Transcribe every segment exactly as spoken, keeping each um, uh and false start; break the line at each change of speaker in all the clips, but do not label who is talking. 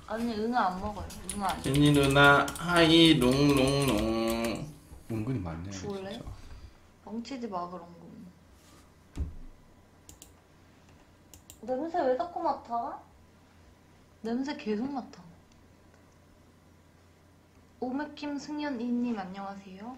아니 응아 안 먹어요. 응아 아니야.
제니 누나 하이 롱롱롱.
은근히 많네.
죽을래?
진짜.
멍치지 마 그런 거. 냄새 왜 자꾸 맡아? 냄새 계속 맡아. 오메킴 승연이님 안녕하세요.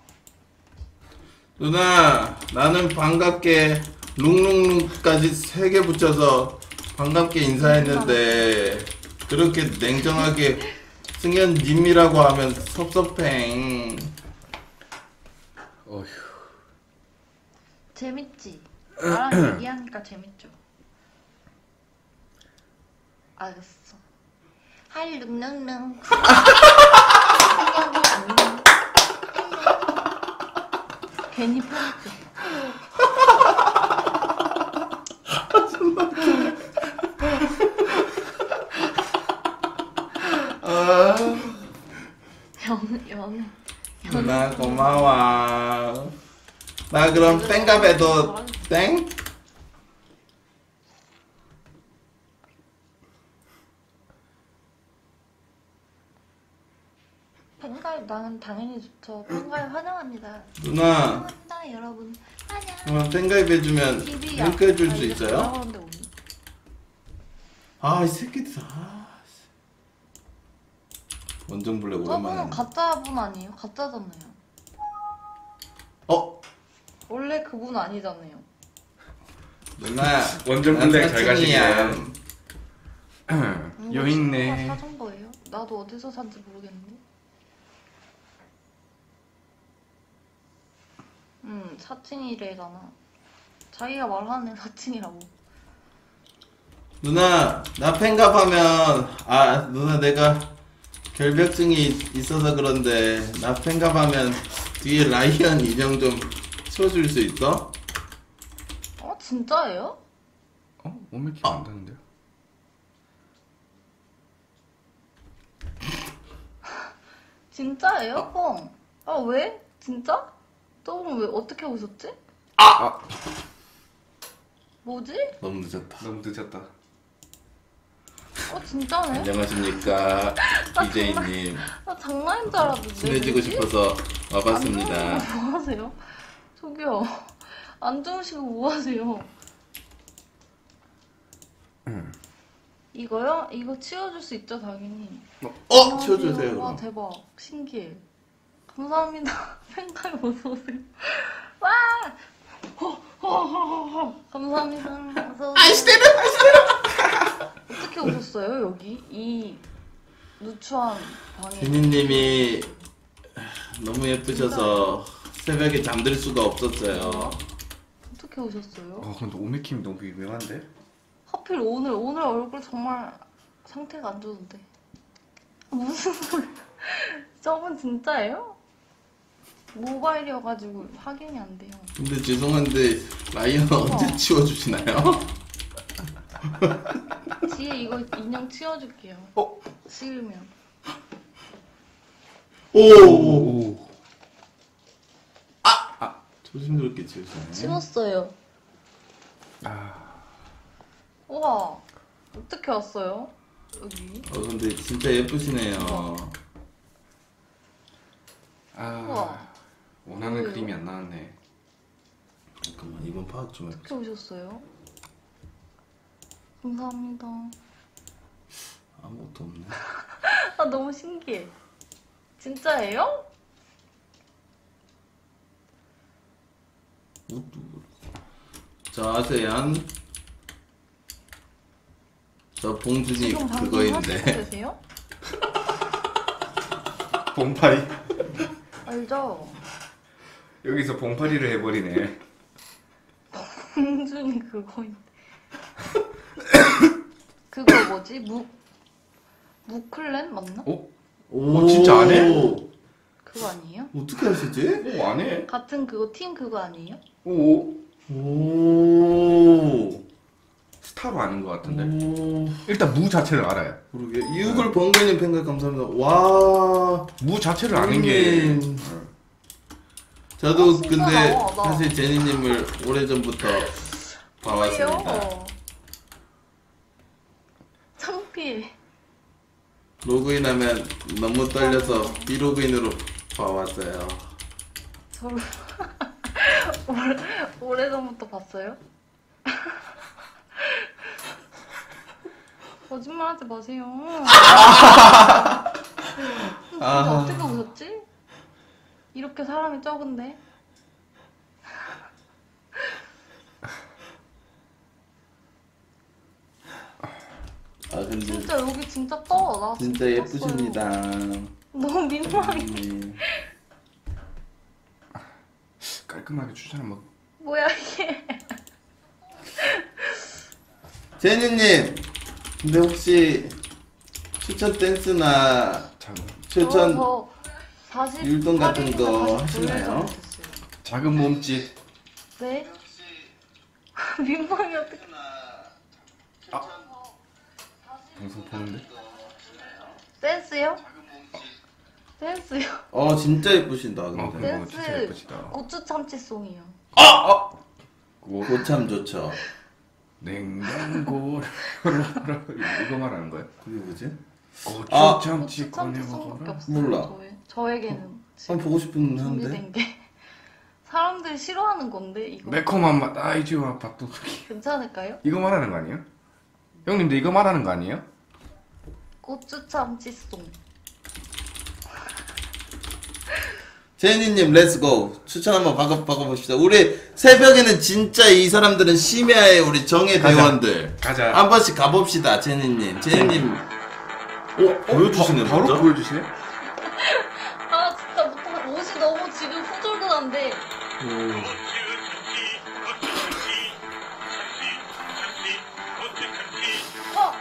누나 나는 반갑게 룽룽룽까지 세 개 붙여서 반갑게 인사했는데 그렇게 냉정하게 승현님이라고 하면 섭섭해.
어휴.
재밌지? 나랑 얘기하니까 재밌죠? 알겠어. 하이 룽룽룽. 승연이 안녕. 괜히 편집해.
아,
연, 연.
누나 고마워. 나 그럼 땡갑에도 땡?
팬가입 나는 당연히 좋죠. 팬가입 환영합니다.
누나
환영합니다 여러분. 환영.
그럼 땡가입해주면
티비야.
링크 해줄
아,
수
이게
있어요?
돌아가는데 오늘.
아 이 새끼들 아 원정블랙
저분은
오랜만에
가짜 분 아니에요? 가짜잖아요.
어?
원래 그분 아니잖아요.
누나
원정
난
블랙 잘
사칭이야.
가시게.
이거
여 있네.
친구가 사준 거예요? 나도 어디서 산지 모르겠는데. 음 사칭이래잖아. 자기가 말하는 사칭이라고.
누나 나 팬갑하면 아 누나 내가 결벽증이 있어서 그런데 나 팬갑하면 뒤에 라이언 인형 좀 쳐줄 수 있어?
어 진짜예요?
어? 오메키 안 되는데요?
진짜예요? 뻥. 아 왜? 진짜? 저분 왜 어떻게 오셨지?
아!
뭐지?
너무 늦었다.
너무 늦었다.
어 진짜네?
안녕하십니까 비제이님.
나 장난인 줄 알았는데.
친해지고
뭐지?
싶어서 와봤습니다.
안 주무시고 뭐 하세요? 저기요. 안 주무시고 뭐 하세요?
응.
이거요? 이거 치워줄 수 있죠 당연히.
어? 치워주세요
와
그럼.
대박. 신기해. 감사합니다. 팬카이 어서오세요. 와! 호호호호 감사합니다. 어서오세요.
아이스테르 아이스테르.
어떻게 오셨어요 여기? 이 누추한 방에.
비니님이 너무 예쁘셔서 새벽에 잠들 수가 없었어요.
어떻게 오셨어요?
아 근데 오메킴 너무 유명한데?
하필 오늘 오늘 얼굴 정말 상태가 안 좋은데. 무슨 소리? 저분 진짜예요? 모바일이어가지고 확인이 안 돼요.
근데 죄송한데 라이언 언제 치워주시나요?
뒤에 이거 인형 치워줄게요.
어?
싫으면.
오.
오.
조심스럽게 치우시네.
치웠어요.
아.
우와. 어떻게 왔어요? 여기.
어 근데 진짜 예쁘시네요.
아.
우와.
원하는
뭐예요?
그림이 안 나왔네.
잠깐만 이번 파악 좀 해.
어떻게 오셨어요? 감사합니다.
아무것도 없네.
아 너무 신기해. 진짜예요?
자 아세안 저 봉준이
지금 방송 하시고
그거인데
계세요?
봉파리.
알죠?
여기서 봉파리를 해버리네.
공준이 그거인데. 그거 뭐지? 무 무클랜 맞나?
어?
오
어, 진짜 안 해?
그거 아니에요?
어떻게 하시지?
오, 안 해?
같은 그거 팀 그거 아니에요?
오.
오
스타로 아는 것 같은데.
오
일단 무 자체를 알아요.
그러게 이육을 번개님 팬가 감사합니다. 와
무 자체를 아는 게.
형님. 저도
아, 진짜
근데
나와, 나.
사실 제니님을 오래전부터 봐왔습니다.
왜요? 창피해.
로그인하면 너무 떨려서 비로그인으로 봐왔어요.
저를 오래, 오래전부터 봤어요? 거짓말하지 마세요. 진짜
아.
어떻게 오셨지? 이렇게 사람이 적은데?
아 근데
진짜 여기 진짜 떠. 나
진짜
떴어요.
예쁘십니다.
너무 민망해.
네.
깔끔하게 추천 한번.
뭐야 이게?
제니님, 근데 혹시 추천 댄스나
작은
추천
저 사십
율동 같은
팔 일이나
거
사십구 일
하시나요?
전에
작은 몸짓.
네? 민망해 어떡해.
방송 보는데.
댄스요? 댄스요?
어 진짜 예쁘신다.
어,
근데
그거 진짜
댄스
예쁘시다.
고추 참치송이요.
그거
고참 좋죠.
냉장고 이거 말하는 거야?
그게 뭐지?
고추
아.
참치
고추
꺼내
참치송밖에
먹어라.
없어요.
몰라.
저에, 저에게는
한번 보고 싶은 한데.
준비된 게 사람들이 싫어하는 건데 이거
매콤한 맛 아이지와 밥도둑이.
괜찮을까요?
이거 말하는 거 아니에요? 형님들 이거 말하는 거 아니에요?
고추 참치송.
제니님 렛츠고 추천 한번 바꿔 바꿔봅시다. 우리 새벽에는 진짜 이 사람들은 심야의 우리 정예
가자.
대원들
가자.
한 번씩 가봅시다. 제니님, 제니님, 오 보여주시네.
바, 바로
먼저?
보여주시네?
아 진짜 못하 옷이 너무 지금 후줄근한데.
오.
어?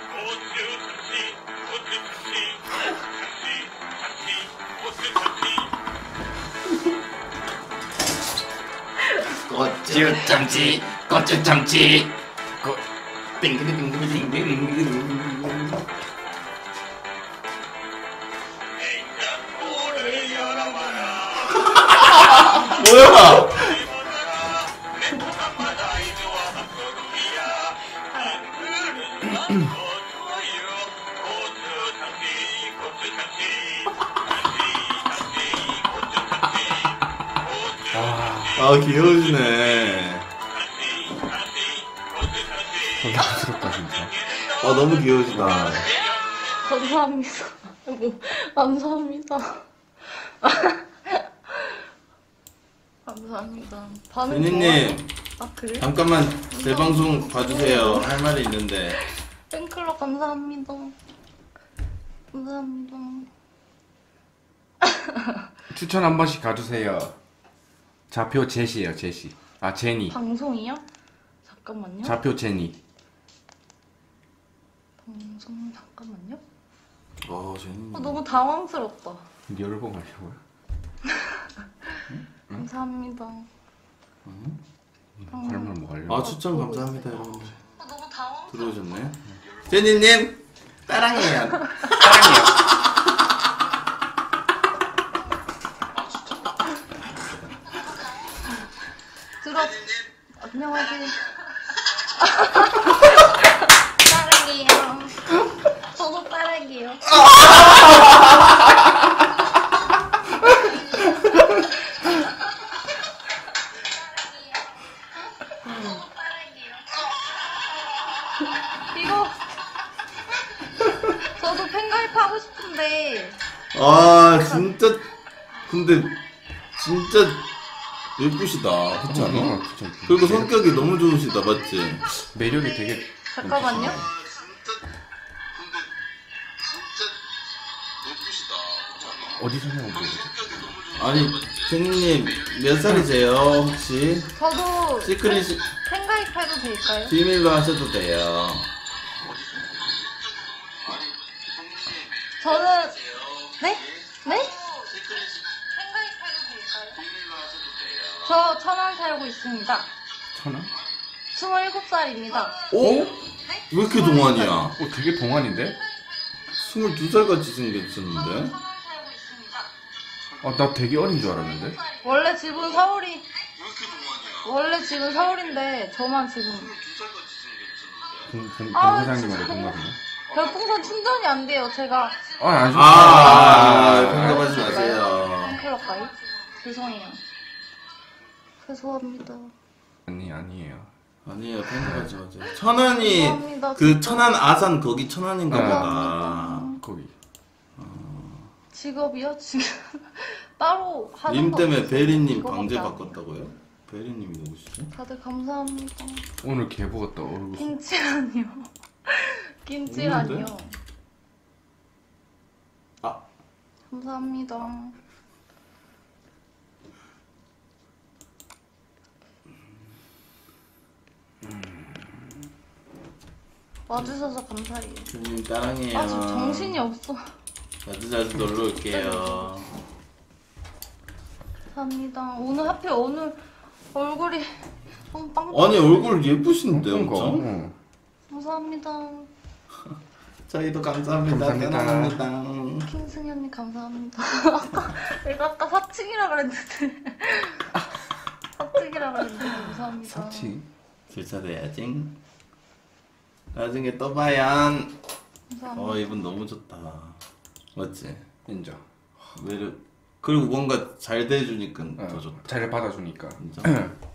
고추 참치, 고추 참치, 고 빙글빙글빙글빙글. 뭐야? 아 귀여우시네.
부럽다 진짜.
아 너무 귀여우시다.
감사합니다. 아이고, 감사합니다. 감사합니다. 반응
제니님
좋아요? 아 그래?
잠깐만 제 방송 봐주세요. 할 말이 있는데.
팬클럽 감사합니다. 감사합니다.
추천 한 번씩 가주세요. 좌표 제시예요 제시. 아 제니.
방송이요? 잠깐만요.
좌표 제니.
방송 잠깐만요.
어 제니님.
아, 너무 당황스럽다.
열봉 하려고요?
감사합니다.
설마 뭐 하려고?
아 추천 감사합니다 여러분들.
아, 너무 당황.
들어오셨네. 제니님 따랑해요.
사랑해요.
들어. 안녕하세요. 사랑해요. 저도 사랑해요. 이거 저도 팬가입하고 싶은데
아 진짜 근데 진짜 예쁘시다. 그렇지 않아?
어, 진짜
그리고 성격이 너무 좋으시다 맞지?
매력이 되게.
잠깐만요.
어디서 해온 거지?
아니 제니님 몇 살이세요 혹시?
저도
시크릿
팬가입해도 될까요?
비밀로 하셔도 돼요.
저는 네? 네? 팬가입해도 될까요? 저 천안 살고 있습니다.
천원?
스물일곱 살입니다.
오? 왜 이렇게 동안이야?
어 되게 동안인데?
스물두 살 같이 생겼었는데?
천안 살고 있습니다.
어 나 되게 어린 줄 알았는데?
원래 집은 서울이 원래 집은 서울인데 저만 지금
공, 공,
아,
공사장님하고
진짜.
동갑이네.
별풍선 충전이 안 돼요. 제가
아, 안
아, 아,
좋다.
평가하지 마세요.
팬클럽가요? 죄송해요. 죄송합니다.
아니, 아니에요.
아니에요, 평가하지 마세요. 천안이
죄송합니다,
그
진짜.
천안 아산 거기 천안인가
아.
보다.
감사합니다.
거기.
직업이요? 지금 따로 하는
님
거
때문에
없어요.
베리님
이거밖에
방제
안 해요.
바꿨다고요? 베리님이 누구시죠?
다들 감사합니다.
오늘 개보 같다, 얼굴.
김치라니요. 김치라니요.
없는데? 아,
감사합니다. 와주셔서 감사해요.
님 따랑해요.
아, 저 정신이 없어.
자주 자주 놀러 올게요.
감사합니다. 오늘 하필 오늘 얼굴이 너무 빵.
아니 얼굴 예쁘신데
그러니까.
엄청.
어.
감사합니다.
저희도 감사합니다.
감사합니다.
사랑합니다.
킹승현님 감사합니다. 아까 내가 아까 사칭이라 그랬는데 사칭이라 그랬는데 감사합니다.
사치.
질차돼야지. 나중에 또 봐요.
감사합니다.
어 이분 너무 좋다. 맞지?
인정.
매력. 그리고 뭔가 잘 대해주니까
어,
더 좋다.
잘 받아주니까.
진짜.